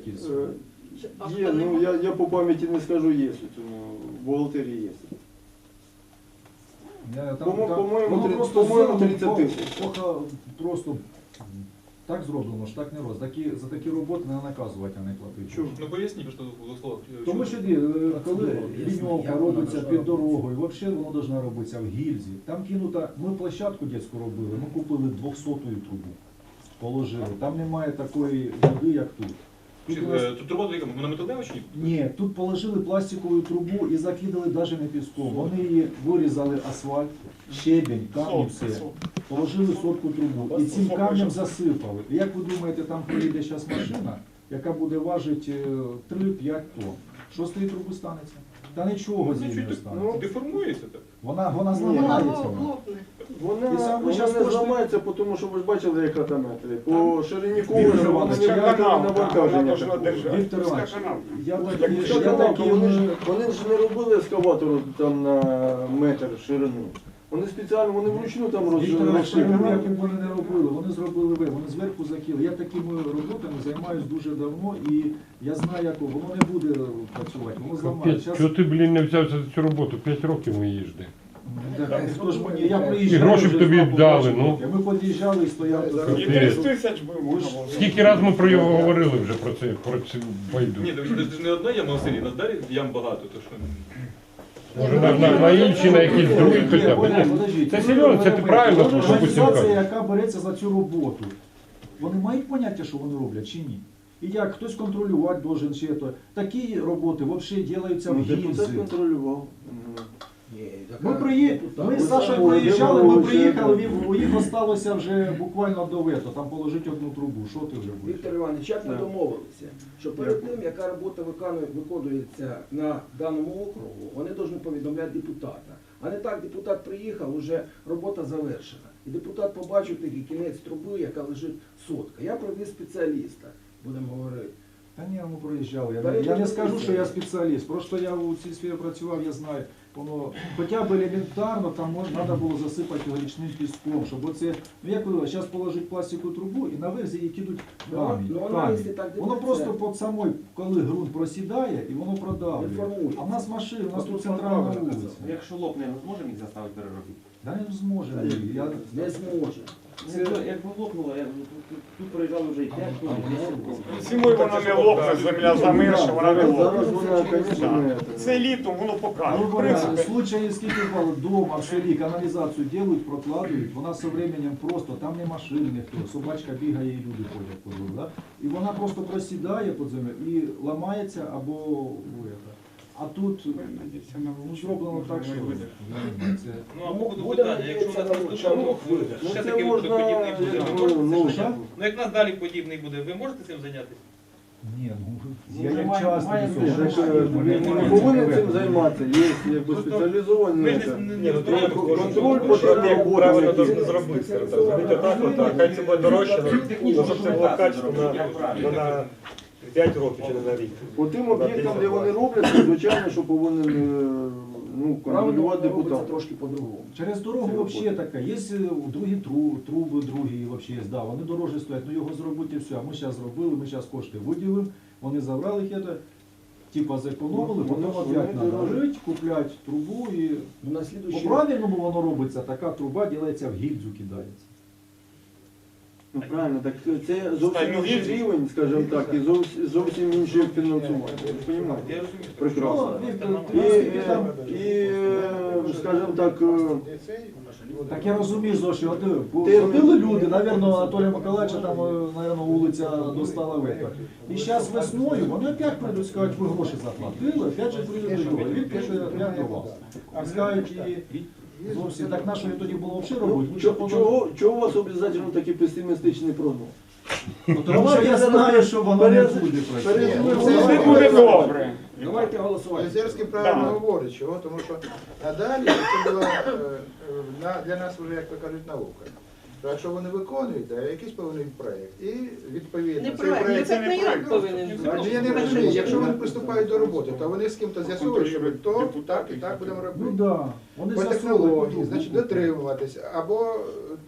якісь? Є, ну я по пам'яті не скажу, є, в бухгалтерії є. По-моєму, 30 тисяч. Просто так зроблено, ж так не роз. За такі роботи не наказувати, а не платити. Чому? Ну поясніть, що в словах. Тому що коли ліньовка робиться під дорогою, взагалі воно повинно робитися в гільзі. Там кинута, ми площадку дитячу робили, ми купили 200-ю трубу, положили. Там немає такої води, як тут. Тут робота яка? Вона металева чи ні? Ні, тут положили пластикову трубу і закидали навіть не піском. Вони її вирізали асфальт, щебень, камінь, все. Положили сотку трубу і цим камнем засипали. І як ви думаєте, там приїде зараз машина, яка буде важити 3-5 тонн. Що з тієї труби станеться? Та нічого з нею не станеться. Деформується так. Вона зламається. Вона І не зараз зламається, тому що ви ж бачили, яка там метри. По ширині колера Віктор вона Іванович, не я буде канал, навантаження. Віктор Іванович, я Вони ж не робили ескаватору там на метр ширину. Вони спеціально, вони вручну там Віктор Іванович, розширили. як вони не робили, вони зробили ви, вони зверху закинули. Я такими роботами займаюся дуже давно і я знаю, як воно не буде працювати, воно зламається. Чого ти, блін, не взявся за цю роботу? 5 років ми їжди. Хто ж мені, я приїжджав, І гроші б вже тобі знав, дали, побачив. ну. Ми під'їжджали і стояли. Капець. 30 тисяч би можна було. Скільки раз ми про його говорили вже про цю байду? Ні, це ж не одна яма в селі, на далі ям багато, то що... Може на інші, на якісь другі хоча б. Ні. Це серйозно, це ти правильно, що Путін Організація, каже. яка береться за цю роботу, вони мають поняття, що вони роблять чи ні? І як хтось контролювати должен чи то. Такі роботи взагалі робляться в Депутат гільзі. контролював. Ми з Сашою приїжджали, ми приїхали, у їх осталося вже буквально до вето, там положити одну трубу. Що ти вже будеш? Віктор Іванович, як ми домовилися, що перед тим, яка робота виконується на даному округу, вони повинні повідомляти депутата. А не так, депутат приїхав, вже робота завершена. І депутат побачив такий кінець труби, яка лежить сотка. Я привіз спеціаліста, будемо говорити. Та ні, ми проїжджали. Я не скажу, що я спеціаліст. Просто я у цій сфері працював, я знаю. Воно хоча б елементарно там треба було засипати його річним піском, щоб оце, ну як ви, зараз положить пластикову трубу і наверх її кидуть камінь. Воно просто під самою, коли ґрунт просідає, і воно продавлює. А в нас машини, у нас тут центральна вулиця. Якщо лопне, ми зможемо їх заставити переробити? Да не зможемо. Не зможе. Якби лопнуло, тут проїжджали вже і 5 років. Зимою вона не лопне, земля замерша, вона не Зараз лопне. вона, звісно, не Це літом воно покаже. В В принципі, случае, скільки було вдома, в селі, каналізацію делають, прокладують, вона з временем просто, там не машини ніхто, собачка бігає і люди ходять по двору, да? І вона просто просідає під землю і ламається або а тут зроблено так, що це... Ну а по ходу питання, якщо у нас наступного року ще такий випадок подібний буде, ви можете цим зайнятися? Ну як у нас далі подібний буде, ви можете цим зайнятися? Ні, я як часто не повинен цим займатися. Є якби спеціалізовані. Ми ж не розбираємо. Контроль потрібен Правильно должны зробити. Зробити так, хай це буде дорожче, щоб це було качественно на 5 років чи не на рік. По тим об'єктам, де вони роблять, звичайно, що повинен контролювати Робиться депутат. трошки по-другому. Через дорогу взагалі така. Є другі труби, другі взагалі є. Да, вони дорожчі стоять, ну його зробити і все. А ми зараз зробили, ми зараз кошти виділимо, вони забрали їх, типа зекономили, потім опять треба жити, купляти трубу і... На слідуючий По-правильному воно робиться, така труба ділається в гільзу, кидається. Ну правильно, так це зовсім інший рівень, скажімо так, і зовсім інше фінансування. Ви розумієте? Я розумію. Прекрасно. І, скажімо так, Так я розумію, Зоші, от терпіли люди, напевно, Анатолія Миколаївича там, напевно, вулиця достала вето. І зараз весною вони опять прийдуть, скажуть, ви гроші заплатили, опять же прийдуть до Він пише, я до вас. А скажуть, і зовсім, так нашої тоді було взагалі робити. чого у вас обов'язково такий песимістичний прогноз? Тому що я знаю, що воно не буде працювати. це буде добре. Давайте голосувати. Озерський правильно говорить, чого, тому що надалі це була для нас вже, як то кажуть, наука. То якщо вони виконують, то якийсь повинен проєкт. І відповідно Не цей проект, проєкт... це не проект повинен бути. Я не розумію, якщо вони приступають до роботи, то вони з ким-то з'ясують, що то так і так будемо Ну робити. да, вони По з'ясовують, технології, значить дотримуватися, або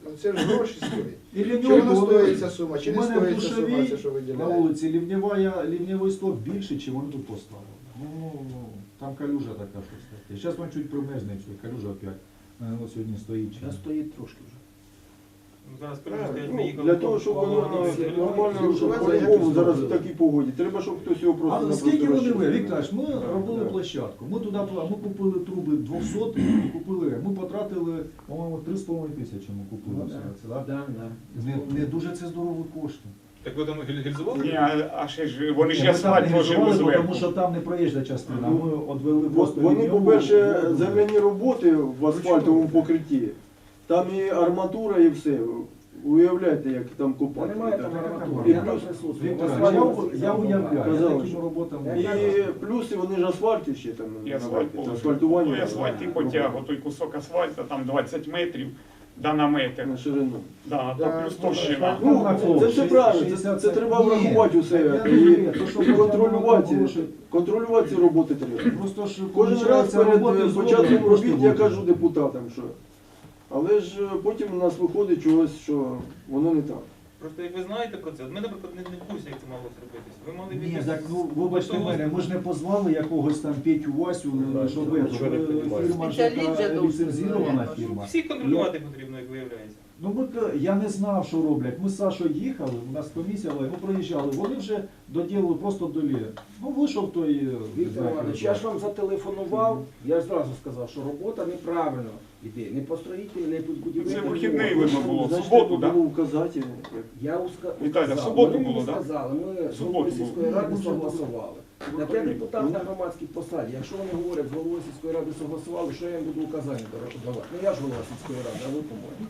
Це ж гроші стоїть. І Чи лівньовку, воно вони- стоїть ця сума, чи у не мене стоїть в ця сума, Душевій це що на виділяє? вулиці лівневий стовп більше, чи вони тут поставили. Ну, там калюжа така щось таке. Зараз він чуть примерзне, все, калюжа опять. Ось сьогодні стоїть. Зараз стоїть трошки вже. Ну, зараз скажу, що ми Ну, їхали для по- того, щоб по- воно по- нормально Слухайте, по-любому як зараз ви в такій погоді. Треба, щоб хтось його просто А напросто скільки вони розчистив. Вікторович, ми робили площадку. Ми туди ми купили труби 200 і купили. Ми потратили, по-моєму, 3,5 тисячі ми купили. Ну, все да. це, да? Да, да. Не дуже це здорові кошти. Так ви там гільзували? Ні, а ще ж вони ж Ні, ми там асфальт не вложили вживали, зверху. тому що там не проїжджа частина. Ми одвели От просто Вони, лінійку, по-перше, ну, земляні роботи в асфальтовому покритті, там і арматура, і все. Уявляєте, як там Та копати. немає там арматури. І Я там плюс- присутствую. Віктор, Асфальт- я уявляю, я Казали, такими що- роботами. І плюс вони ж асфальт ще там. І асфальт положили. асфальтування. Той асфальт і потяг, той кусок асфальту, там 20 метрів, да на метр. На ширину. Да, Да, там плюс ну, товщина. Ну, на флот, це все правильно, 60 це треба Ні, врахувати усе. я не І розумію, то, що контролювати, гроші. контролювати ці роботи треба. Просто ж Кожен раз получається, перед роботи початком зроблені, робіт я просто кажу депутатам, що. Але ж потім у нас виходить чогось, що воно не так. Просто як ви знаєте про це, от ми, наприклад, не в курсі, як це мало зробитися. Ви мали Ні, якось- так ну вибачте мене, ми ж не позвали якогось там Петю Васю, щоб нічого не піднімається. фірма ж Спеціаліст же яка должен ліцензірована знати. Ну, фірма. всіх контролювати потрібно, як виявляється. Ну я не знав, що роблять. Ми з Сашою їхали, у нас комісія була, ми проїжджали, вони вже доділили просто долі. Ну вийшов той Віктор Іванович, я ж вам зателефонував, я ж зразу сказав, що робота неправильно йде. Не по строїтелі, не по будівельній. Це вихідний видно було, в Значить, суботу, треба так? було вказати. Я Віталя, в сказав, суботу вони було, мені да? сказали, ми з Суботу головою було. сільської ради согласували. Так я депутат на громадській посаді. Якщо вони говорять, з головою сільської ради согласували, що я їм буду указання давати? Ну я ж голова сільської ради, а ви по-моєму.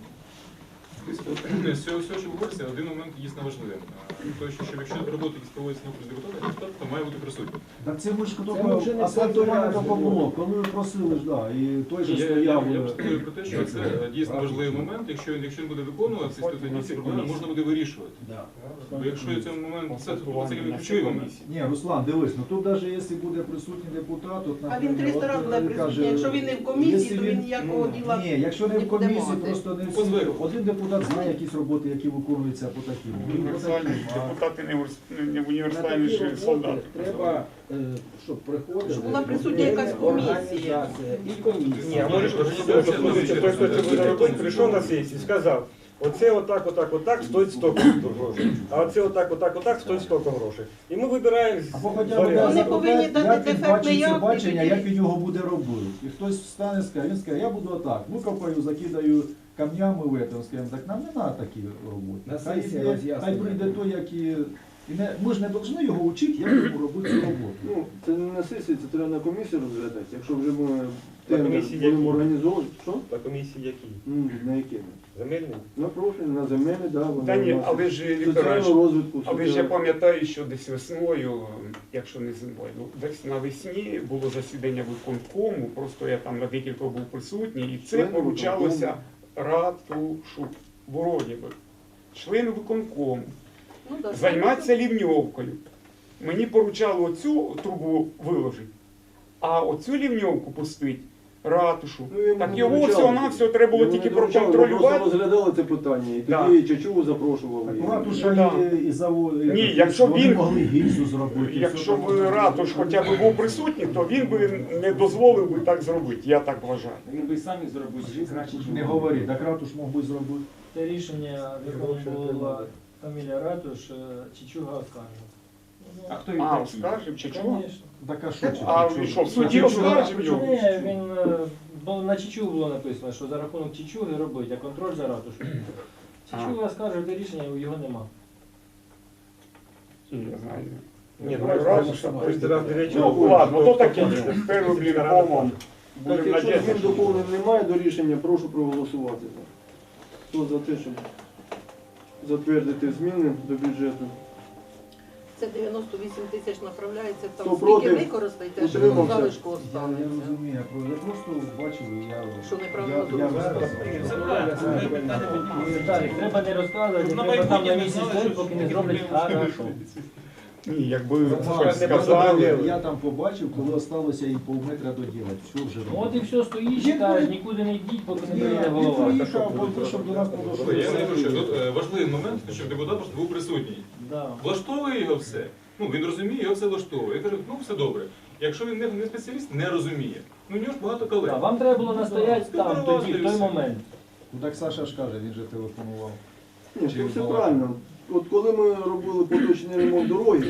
З цього, що говориться, один момент дійсно важливим. Той, що якщо роботи якісь проводяться на окрузі депутата, то має бути присутній. Так це ми ж Це ми вже тільки не асфальтування перший тільки раз було, коли ви просили ж, да, і той же Я стояв. пропоную про те, що це дійсно важливий момент. Якщо він буде виконуватися, то тоді ці проблеми можна буде вирішувати. Да. Бо якщо цей момент, це ключовий момент. Ні, Руслан, дивись, ну тут навіть якщо буде присутній депутат, от, А він 300 разів буде присутній. Якщо він не в комісії, то він ніякого діла Ні, якщо не не в буде комісії, мати. просто не По всі. звику. Один депутат знає якісь роботи, які виконуються по таким. Універсальні депутати не На універсальні такі ж роботи солдати. треба, щоб приходили. Щоб була присутня якась комісія. Організація і комісія. Ні, а може допустити, той, хто це буде робити, прийшов на сесію, сказав, оце отак стоїть стільки грошей, а оце отак стоїть стільки грошей. І ми вибираємо з Або хоча б варіантів. Вони повинні дати як він дефектний бачить це акт, бачення, і як він його буде робити. І хтось встане і скаже, він скаже, я буду отак, викопаю, закидаю камнями в этом, скажімо так, нам не треба такі роботи. На Хай сесії йде, роз'яснення. хай прийде той, який... І ми ж не повинні його вчити, як йому робити цю роботу. Ну, це не на сесії, це треба на комісії розглядати. Якщо вже ми На тендер комісії будемо які? організовувати. Що? На комісії які? На які? Земельні? На профіль, на земельні, да, вони Та ні, у нас але ж Віктор соціального розвитку. Але ж я пам'ятаю, що десь весною, якщо не зимою, ну десь навесні було засідання виконкому, просто я там на декілька був присутній, і це Члени поручалося Ратушу, вроді би, член виконкому, Ну, да, займатися лівньовкою. Мені поручали оцю трубу виложити, а оцю лівньовку пустить Ратушу. Ну, йому Так не його доручали. всього-навсього треба було Йому тільки не доручали, ми просто проконтролювати. розглядали це питання, і Да. тоді Чачову запрошували. Ратуша Да. і завод. Ні, якщо вони він- могли гільзу зробити. Якщо все б там. Ратуш хоча б був присутній, то він би не дозволив би так зробити, я так вважаю. Він би самі зробив краще, ніж Не говори, так Ратуш мог би зробити. Те рішення, в якому була фамілія Ратуш, Чичуга оскаржив. А хто він так скаже, чи чого? Звісно. Так а що? А він що, в суді оскаржив його? Ні, він, бо на Чичугу було написано, що за рахунок Чичуги робить, а контроль за Ратушем. Чичуга оскаржив те рішення, його нема. Я знаю. Ні, ну Ну, Ратуша, Ну ладно, то таке. Тепер, блін, комом. Так, Будемо якщо змін надіятися. доповнень немає до рішення, прошу проголосувати. Хто за те, щоб затвердити зміни до бюджету? Це 98 тисяч направляється, там Хто скільки проти? використаєте, а що воно Утримався? залишку Я не останеться. розумію, я просто бачив і я... Що неправильно я зроблено. висказав. Це правильно, це питання піднімається. Віталік, треба не розказувати, Щоб на треба там майбутнє на не місяць знали, стоїть, що поки не таке зроблять проблеми. хорошо. Ні, якби Сказали, я там побачив, коли залишилося і півметра доділати. Все вже. От і все, стоїш, читаєш, нікуди не йдіть, поки не прийде голова. Приїхав, щоб до нас не дошло. Я не говорю, що тут важливий момент, щоб депутат просто був присутній. Да. Влаштовує його все. Ну, він розуміє, його все влаштовує. Я кажу, ну все добре. Якщо він не спеціаліст, не розуміє. Ну, у нього ж багато колег. Да, вам треба було настояти там, тоді, в той момент. Ну так Саша ж каже, він же телефонував. Ні, це все правильно. От коли ми робили поточний ремонт дороги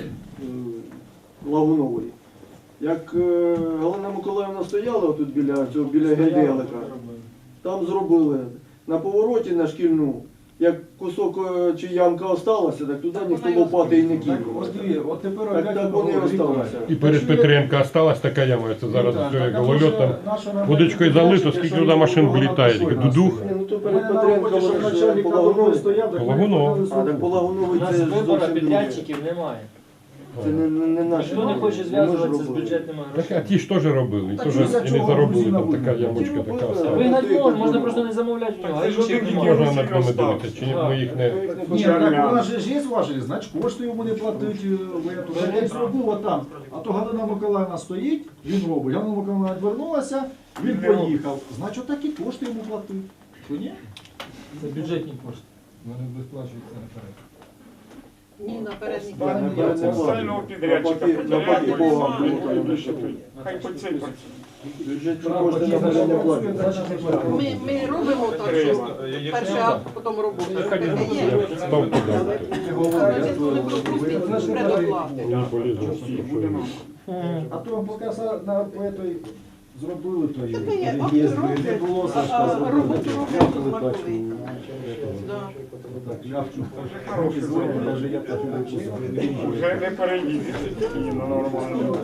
Лагунової, як Галина Миколаївна стояла тут біля генделика, там зробили на повороті на шкільну, як кусок чи ямка осталася, так туди ніхто лопати і не кинув. От тепер Так вони і осталися. І перед Петренка осталась така яма, це зараз все як голольот там. Водичкою залито, скільки туди машин влітає, дудух. Ні, ну то перед Петренком вони ж по Лагуновій. Лагунов. А так по Лагуновій У нас це вибору зовсім друге. підрядчиків немає. Це не наші. Ніхто не хоче зв'язуватися з бюджетними Так, а грошима. ті ж теж робили, і теж і не заробили, там така ямочка така. осталась. Вигнати можна просто не замовляти в нього, а інших немає. Можна над ними дивитися, чи ми їх не... Ні, так у нас же ж є важелі, значить кошти йому не платить. Я й зробив отам. А то Галина Миколаївна стоїть, він робить. Галина Миколаївна відвернулася, він поїхав. Значить такі кошти йому платить. Що ні? Це бюджетні кошти. Вони виплачуються наперед. Ні, наперед ніхто. Я не Спеціального плачу. підрядчика. Навпаки, Богом. Хай по цей працює. Бюджетні кошти наперед не платять. Ми робимо так, що перший акт, потім робота. Таке є. Ставку дали. Але звісно, не пропустить предоплати. Не полізли, що йому. А то поки на той зробили, то Таке є, і акти їздили. роблять, Не було а Сашка. роботу роблять знаковий. Да. Так, ляпчу. Руки дзвонять, навіть я так не чесав. Вже не переїдете. Ні, ну нормально.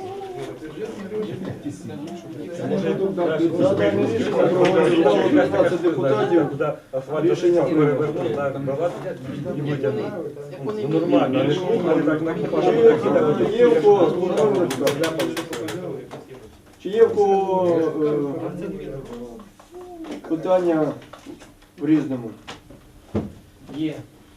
Може, тут дав Задане рішення проголосувало 15 депутатів. Рішення прийнято. Як вони Нормально. Чи є в кого Чи є в кого питання в Різному? Є.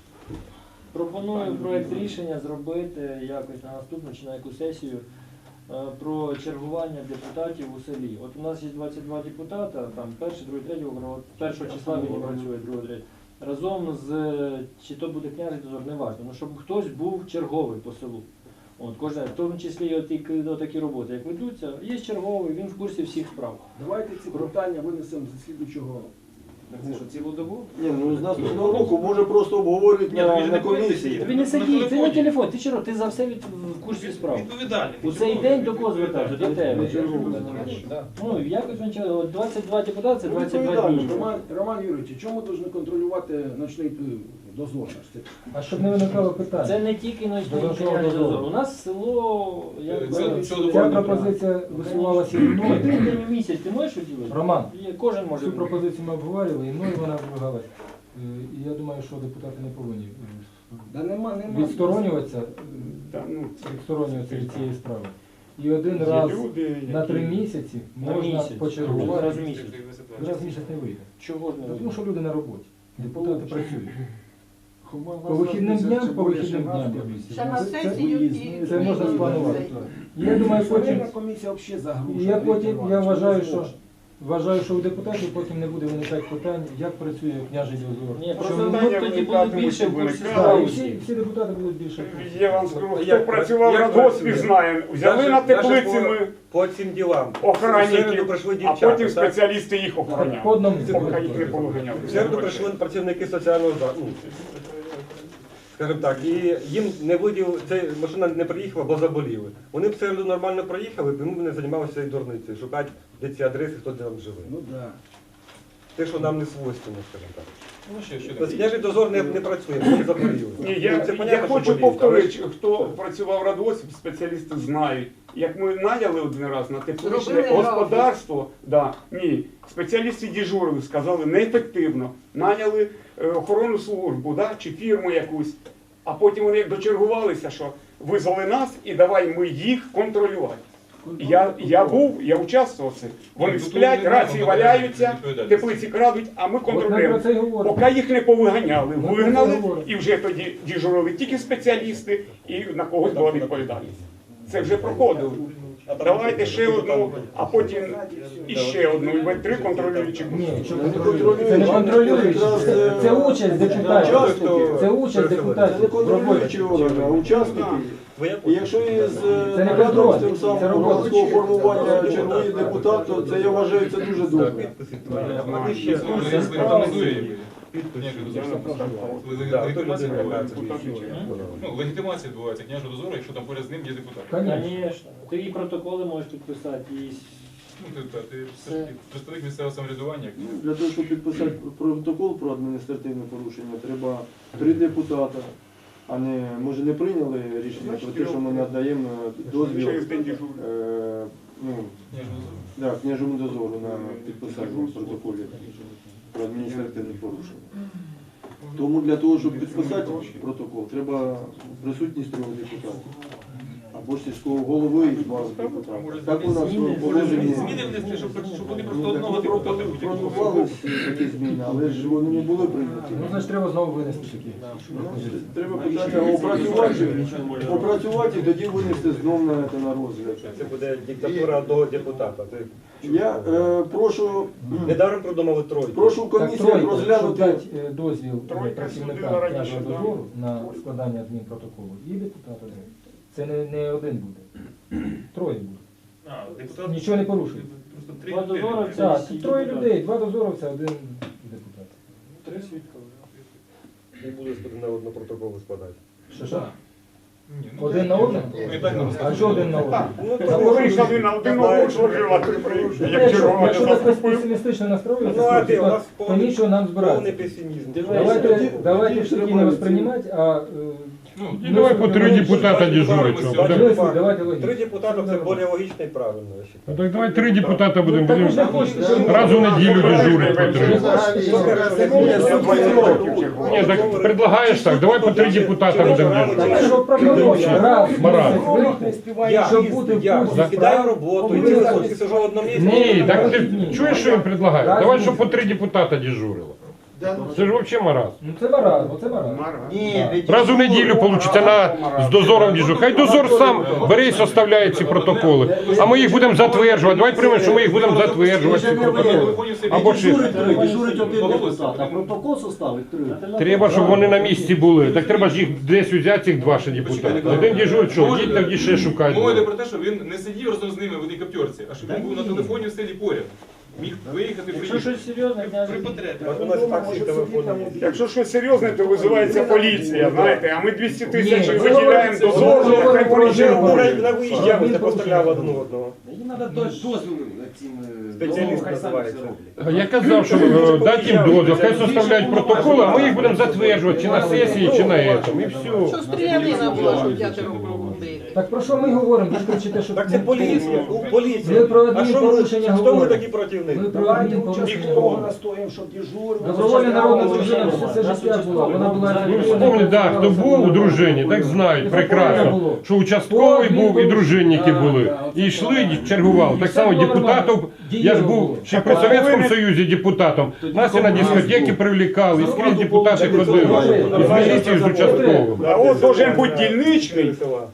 Пропоную проєкт рішення зробити якось на наступну чи на яку сесію про чергування депутатів у селі. От у нас є 22 депутата, там перший, другий, третій округ, от першого числа він працює, другого, третього. Разом з, чи то буде княжий дозор, не важливо, ну, щоб хтось був черговий по селу. От, кожен, в тому числі і такі роботи, як ведуться, є черговий, він в курсі всіх справ. Давайте ці питання винесемо з слідуючого. Це що, цілу добу? Ні, ну з наступного року може просто обговорюють на комісії. Тобі не сидіть, ти на телефон, ти чого, ти за все в курсі справ. Відповідальний. У цей день до кого звертався? До тебе. Ну, якось він чого, 22 депутати, це 22 дні. Роман Юрійович, чому повинні контролювати ночний дозор? А щоб не виникало питання. Це не тільки ночний дозор. У нас село, як Ця пропозиція висувалася і ну, мною. один день у місяць ти можеш уділити? Роман, Кожен може. цю пропозицію ми обговорювали, і мною вона вимагалась. І я думаю, що депутати не повинні Да нема. відсторонюватися Ну, від цієї справи. І один є раз люди, на 3 які... місяці На можна місяць. почергувати. Раз в місяць. Раз в місяць не вийде. Чого ж не Тому вийде? що люди на роботі. Депутати працюють. По вихідним дням Ще на сесію і... це можна спланувати. Я думаю, потім Комісія взагалі і загружена. я вважаю, що у депутатів потім не буде виникати питань, як працює княжий дозор. Ні, Що просто ми- ми тоді були більше в курсі Так, справи. і всі депутати будуть більше в курсі. Я вам скажу, хто працював на досвід, знає. Взяли на теплиці ми По цим ділам. охранників, прийшли а дівчата. потім спеціалісти їх По охороняли. одному. Поки їх не повиганяли. В середу прийшли працівники соціального закладу. Скажімо так, і їм не виділ, ця машина не приїхала, бо заболіли. Вони б в середу нормально проїхали, тому б не займалися цією дурницею, шукати, де ці адреси, хто де там живе. Ну да. Те, що нам не свойственно, скажімо так. Ну, ще Тобто княжий дозор не працює, вони заболіли. Ні, Ну, я це понятно, що хочу боліють, повторити, хто працював в радосвід, спеціалісти знають. Як ми наняли один раз на тепличне Зробили господарство, ні, спеціалісти дежурили, сказали, неефективно. Наняли охоронну службу, чи фірму якусь, а потім вони як дочергувалися, що визвали нас і давай ми їх контролювати. Я участвував в цих. Вони сплять, рації валяються, теплиці крадуть, а ми контролюємо. Поки їх не повиганяли, вигнали, і вже тоді дежурили тільки спеціалісти, і на когось була відповідальність. Це вже проходило. Давайте ще одну, а потім іще одну, і ви 3 контролюючих. Це не контролюючі, це участь депутатів. Це участь депутатів. Це не контролюючі органи, а учасники. І якщо із Це не наглядом контроль, з тим це самим робота. громадського формування черговий депутат, то це я вважаю це дуже добре. Легітимація відбувається княжого дозору, якщо там поряд з ним є депутат. Звісно. Ти і протоколи можеш підписати, і Ти все ж таки представник місцевого самоврядування. Для того, щоб підписати протокол про адміністративне порушення, треба 3 депутата, а не, може, не прийняли рішення про те, що ми надаємо дозвіл княжому дозору на підписання протоколів про адміністративне порушення. Тому для того, щоб підписати протокол, треба присутність 3 депутатів. Або ж сільського голови і 2 депутатів. Так у нас положені. Зміни внести, щоб вони просто одного депутата будуть. Пропонувалися такі зміни, але ж вони не були прийняті. Ну, значить, треба знову винести такі. Треба питання опрацювати і тоді винести знову на розгляд. Це буде диктатура одного депутата. Я прошу, Недаром придумали тройку. прошу комісію розглянути. Дати дозвіл працівника княжого дозору на складання адмінпротоколу і депутат один. Це не один буде. 3 буде. Нічого не порушує. Два дозоровця. Так, 3 людей, 2 дозоровця, 1 депутат. 3 свідка. І буде на одну протоколу складати. Що? Один на один? А що один на один? Ну, вийшли на один одного служила, ти приїхав, як чергова Якщо не так заступив. песимістично настроюється, то нічого нам збирати. песимізм. Давайте все таки не воспринимать, а... І давай по 3 депутата дежурить. Давайте логічно. 3 депутата це більш логічно і правильно. я вважаю. Ну так давай 3 депутата будемо Так ви ж не хочете, щоб- раз у неділю дежурить по 3. Ні, так предлагаєш так, давай по 3 депутата будемо дежурити. Так, щоб пропонує, раз, Мораль. щоб бути в Я курсі кидаю роботу, і ти сижу в одному місці. Ні, так ти чуєш, що він предлагає? Давай, щоб по 3 депутата дежурило. Це ж взагалі маразм. Ну це маразм, оце маразм. Раз у неділю вийде з дозором дежур. Хай дозор сам бере і составляє ці протоколи. А ми їх будемо затверджувати. Давай приймемо, що ми їх будемо затверджувати, ці протоколи. Або ще. Дежурить один депутат, а протокол составить 3. Треба, щоб вони на місці були. Так треба ж їх десь взяти, цих 2 ще депутати. Один дежурить, що йдіть тоді ще шукати. Мова йде про те, що він не сидів разом з ними в одній каптерці, а щоб він був на телефоні в селі поряд. Міг виїхати, Якщо приїхати. щось серйозне, княже. При потребі. У нас так всі телефони. Якщо щось серйозне, то визивається поліція, знаєте, а ми 200 тисяч Ні, виділяємо це дозору, хай поліція робить. На виїзді вони поставляли один одного. Їм треба дозвіл цим Спеціаліст хай самі називається. це роблять. Я казав, що дати їм дозвіл, хай составляють протоколи, а ми їх будемо затверджувати чи на сесії, чи на цьому. І все. Що стрілянина була, що дядя робив. Так про що ми говоримо? Ви ж кричите, що... Так це поліція, поліція. Ми про А що ми, адмінпорушення хто ми говоримо. такі противники? Ми про Давайте адмінпорушення участь того говоримо. настоїмо, щоб дежурив. Добровольна народна дружина все життя була. Вона була... Ви вспомніть, да, хто був у дружині, так знають прекрасно, що участковий був і дружинники були. І йшли, чергували. Так само депутатів, я ж був ще при Совєтському Союзі депутатом. Нас і на дискотеки привлікали, і скрізь депутати ходили. І з міліції, і з участковим. А от должен бути дільничний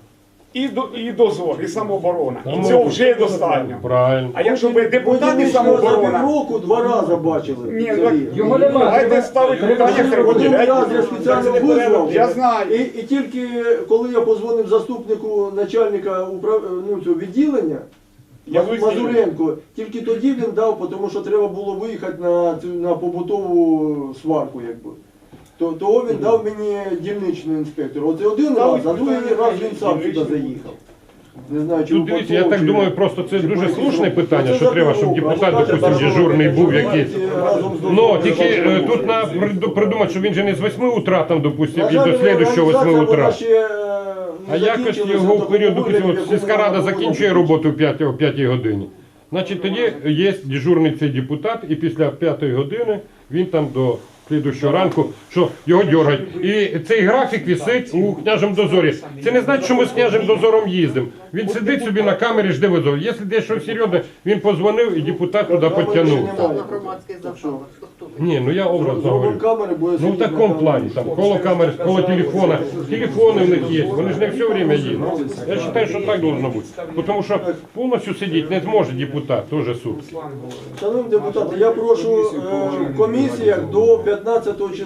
і дозор, і самооборона. І цього вже достатньо. Правильно. А якщо би депутат і За самооборона, півроку 2 рази бачили. ні, цей так, рік. Його немає. давайте ставити питання, хай Один раз я виділяють. спеціально визвав. Я знаю. І тільки коли я позвонив заступнику начальника цього відділення, Я визнаю. Мазуренко, тільки тоді він дав, тому що треба було виїхати на побутову сварку, якби. Того він дав мені дільничний інспектор. Оце один раз, а другий раз він сам сюди заїхав. Не знаю, чи Тут дивіться, я так випадково, думаю, чи- просто це чи дуже повністю. слушне питання, Це що за треба, щоб півроку. депутат, А допустим, давайте дежурний був якийсь. разом з Ну, дозором тільки разом тут на придумати, що він же не з 8 утра, там, допустим, і до слідущого 8 утра. А якось його в період, допустим, от сільська рада закінчує роботу о 5 годині. Значить, тоді є дежурний цей депутат, і після 5 години він там до слідущого ранку, що його дергають. І цей графік висить у княжому дозорі. Це не значить, що ми з княжим дозором їздимо. Він сидить собі на камері, жде визов. Якщо десь щось серйозне, він позвонив і депутат туди підтягнув. Там на громадських засадах. Ні, ну я образно говорю. камери, бо Ну в такому плані, там, коло камери, коло телефона. Телефони в них є, вони ж не все время їдуть. Я вважаю, що так должно бути. Тому що повністю сидіти не зможе депутат, теж суд. Шановні депутати, я прошу в комісіях до 15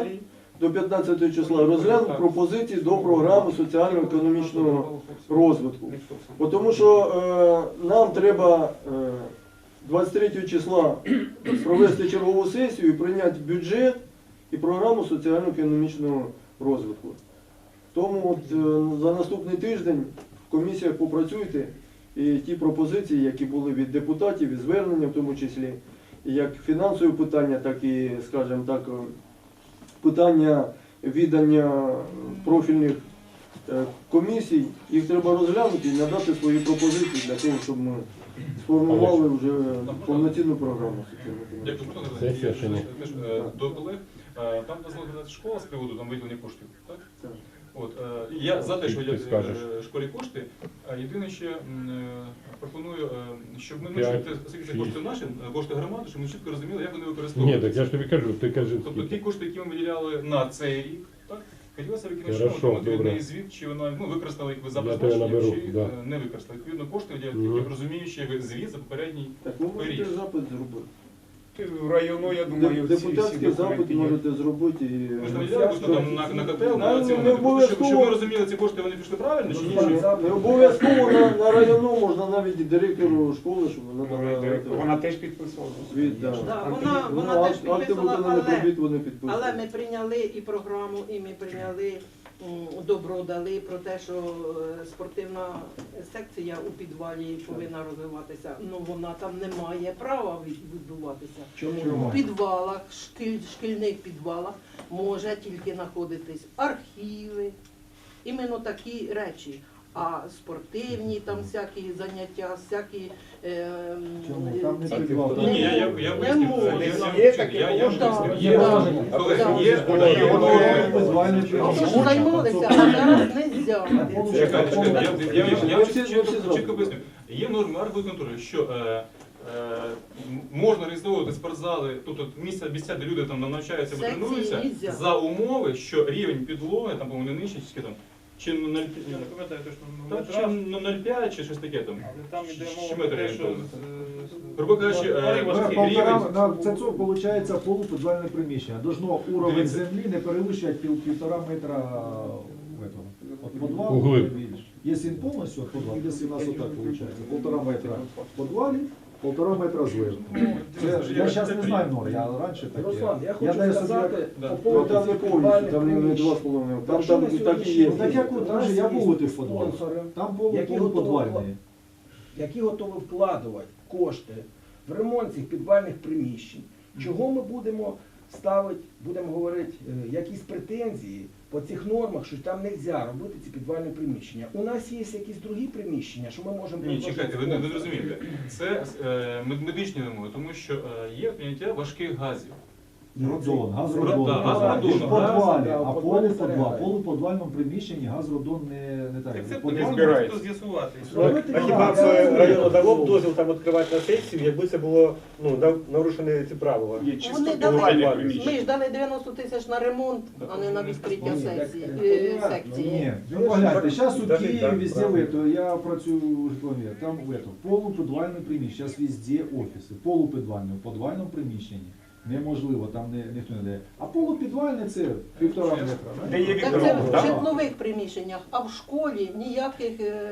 числа розглянути пропозиції до програми соціально-економічного розвитку. Тому що нам треба 23 числа провести чергову сесію і прийняти бюджет і програму соціально-економічного розвитку. Тому за наступний тиждень в комісіях попрацюйте і ті пропозиції, які були від депутатів, і звернення в тому числі, і як фінансові питання, так і, скажімо так, питання віддання профільних комісій, їх треба розглянути і надати свої пропозиції для того, щоб ми сформували вже повноцінну програму. Дякую. До колег. Там дозволена школа з приводу там виділення коштів, так? Так. От, я за те, що виділяти школі кошти. Єдине, що пропоную, щоб ми чітко, оскільки це кошти наші, кошти громади, щоб ми чітко розуміли, як вони Ні, використовуються. так я ж тобі кажу, ти кажи. Тобто ті кошти, які ми виділяли на цей рік, так? Хотілося викинути, Хорошо, що отримати добре. від неї звіт, чи вона використала їх за Я тебе призначенням, наберу, чи да. не використала. Відповідно, кошти виділяти, я розумію, що як звіт за попередній Так ви можете рік. запит зробити. Районо, я думаю, Депутатський запит можете зробити. Ми ж не виділяли кошти там на котел, на ці Не моменти. обов'язково. Щоб ми розуміли, ці кошти вони пішли правильно, чи ні? Не обов'язково на району, можна навіть і директору школи, щоб вона Вона теж підписувала. звіт, да. Да, вона теж Акти підписала, виконаних робіт вони підписують. але ми прийняли і програму, і ми прийняли добро дали про те, що спортивна секція у підвалі повинна розвиватися. Ну вона там не має права відбуватися. Чому? У підвалах, шкільних підвалах може тільки знаходитись архіви, іменно такі речі. А спортивні там всякі заняття, всякі Там не підвал. Ні, я не поясню. можна. Є таке Є. Що ж займалися, а зараз не можна. Я вам чітко поясню. Є норми архбудконтролю, що можна реєструвати спортзали, тобто місця, де люди там навчаються або Секції тренуються, нельзя. за умови, що рівень підлоги, там, по-моєму, не нижче, чи там, чи 0,5, чи щось таке там. Там іде Чи мова метр про те, що орієнтовно. Грубо кажучи, Це виходить полуподвальне приміщення. Должно уровень землі не перевищувати 1,5 метра от подвалу. Углиб. Якщо він повністю от подвал, якщо у нас отак виходить, 1,5 метра в подвалі, 1,5 метра зверху. Я зараз не знаю норм, я раніше таке. Руслан, я хочу даю собі сказати Да. по Ну, поводу там не цих повністю, підвальних там не приміщень. 2,5. Там Якщо на так і сьогоднішній є. день Так як у там нас же я є був у тих подвалах. спонсори, Там які полуподвальні. які готові вкладувати кошти в ремонт цих підвальних приміщень. Чого ми будемо ставити, будемо говорити, якісь претензії по цих нормах, що там не можна робити ці підвальні приміщення. У нас є якісь другі приміщення, що ми можемо Ні, чекайте, ви не розумієте. Це медичні вимоги, тому що є прийняття важких газів. Родон, Да, газродон. газродон. В подвалі, Да, а в подвалі полуподвальному приміщенні газродон не так. Так це В потрібно збирається. просто з'ясувати. Робити А хіба б район давав дозвіл там відкривати на сесію, якби це було нарушені ці правила? Є чисто Вони дали, підвальне ми приміщення. ж дали 90 тисяч на ремонт, а не на відкриття сесії, секції. Ні, ну погляньте, зараз у Даже Києві так, везде правильно. я працюю в Житомирі, там полуподвальне приміщення, зараз везде офіси, полуподвальне, в подвальному приміщенні. Неможливо, там ніхто не дає. А полупідвальне це 1,5 метра. Де є Так це вікно, в так? житлових приміщеннях, а в школі ніяких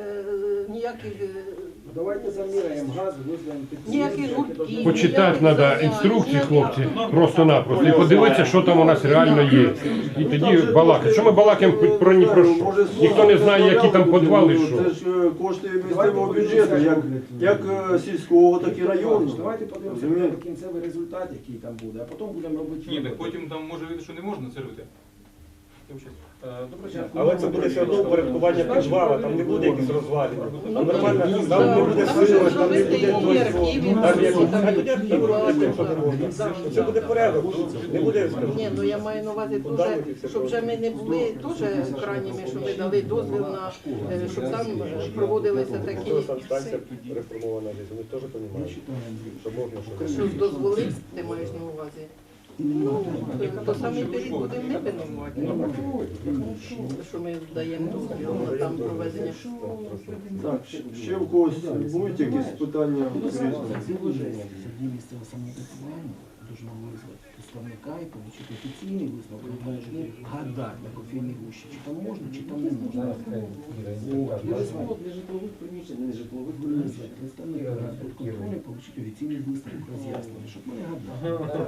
Давайте заміряємо газ, визнаємо ніяких гуртків. Почитати ніяких треба занять, інструкції, ніяких- хлопці, просто-напросто. І подивитися, що там у нас реально є. І тоді балакати. Що ми балакаємо про ні про що? Ніхто не знає, які там підвали, що. Це ж кошти місцевого бюджету, як сільського, так і районного. Давайте подивимося Розумієте? на кінцевий результат, який там буде, а потім будемо робити. Ні, так виводи. потім там може вийти, що не можна це робити. Доброго дня. Але це буде все одно упорядкування підвала, там не буде якісь розвалення. Там нормально, там не буде Там сили, можна там не зробити буде і архів, там і є- всі, а там тоді архів робити, якщо не можна. Це буде порядок, не буде, Ні, ну я маю на увазі дуже, щоб вже ми не були теж крайніми, що ми дали дозвіл на, щоб там проводилися такі, санстанція реформована здесь, вони теж розуміють, що можна, що не що дозволив, ти маєш на увазі. Ну, то самий період будемо не винувати. Що ми даємо дозвіл на там проведення. Так, ще в когось будуть якісь питання? Положення Сергій місцевого самоврядування дуже визвати представника і отримати офіційний висновок, не гадати на кофейній гущі, чи там можна, чи там не можна. Для житлових приміщень, не житлових приміщень. Представник контролю отримати офіційний висновок роз'яснення, щоб ми не гадали.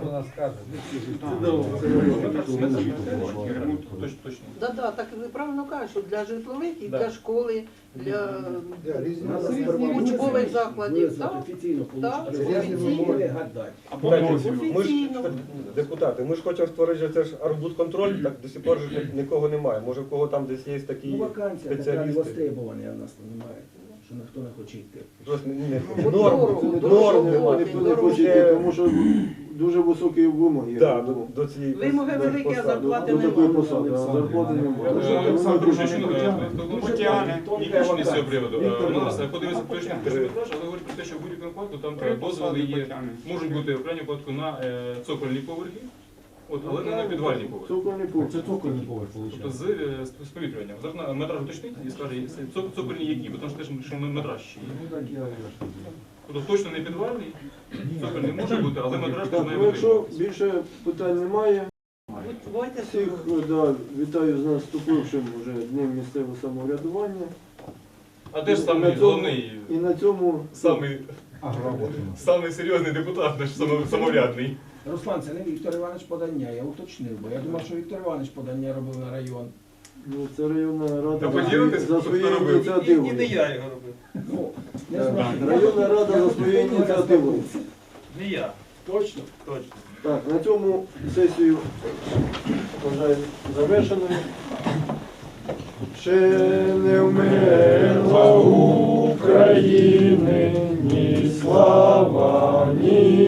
Точно. Да, так ви правильно кажете, що для житлових і для школи, для учбових закладів. Визвати Так, офіційно так, отримати офіційно. не гадати. Ми ж, депутати, ми ж хочемо створити це ж арбудконтроль, так до сих пор ж нікого немає. Може в кого там десь є такі Ну, вакансія така спеціалісти. востребована, а в нас немає, що ніхто не хоче йти. Просто От норм, дорого, норм Ніхто не дорого. хоче йти, тому що дуже високі вимоги. да, до цієї Вимоги великі, а зарплати До такої немає. посади, а зарплати немає. Олександр Дружичин, Тетяни. технічний з цього приводу. У нас подивився точний метраж, але говорить про те, що в будь-якому випадку там дозволи є, можуть бути в крайньому випадку на цокольні поверхи, але не на підвальні поверхи. Цокольний поверх. Це цокольний поверх, Тобто виходить. з повітрюванням. Зараз метраж уточнить і скаже, цокольні які, бо тому що теж що метраж ще є. Ну так я вирішую. Тобто точно не підвальний, цокольний може бути, але метраж Так, має ну бути. якщо більше питань немає, Бувайте всіх вітаю з наступившим вже Днем місцевого самоврядування. А де ж самий головний, І на цьому самий серйозний депутат, наш самоврядний? Руслан, це не Віктор Іванович подання, я уточнив, бо я думав, що Віктор Іванович подання робив на район. ну, це районна Та рада поділитись, за хто своєю робив? І ініціативою. не я його робив. Ну, не знаю. Районна рада за своєю ініціативою. Не я. Точно? Точно. Так, на цьому сесію вважаю завершеною. Ще не вмерла України ні слава, ні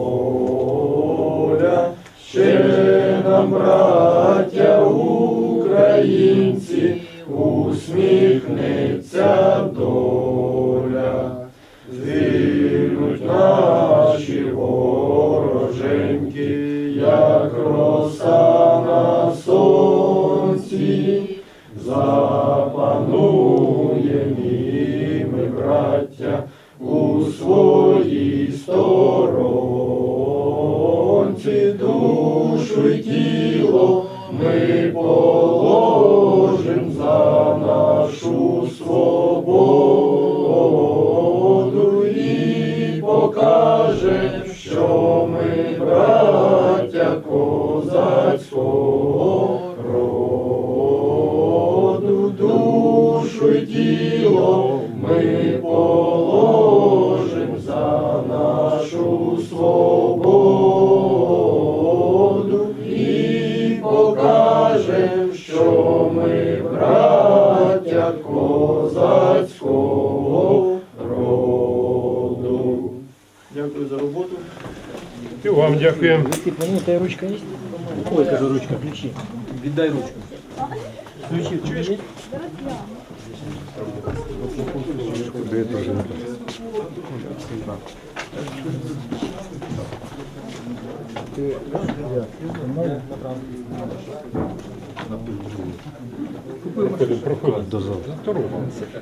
воля. Ще нам, браття українці, усміхнеться доля. Звільнуть наші вороженьки, як роса на сонці, запануєм і ми, браття, у своїй сторонці. Душу й тіло ми положим за нашу свободу і покажем, що ми браття козацького роду. Душу й тіло ми положим за нашу свободу і покажем, що ми браття козацького роду. Дякую за роботу. І вам дякуємо. Ну, та ручка є? Ой, кажу, ручка, ключі. Віддай ручку. Ключі є? Проходимо до залу.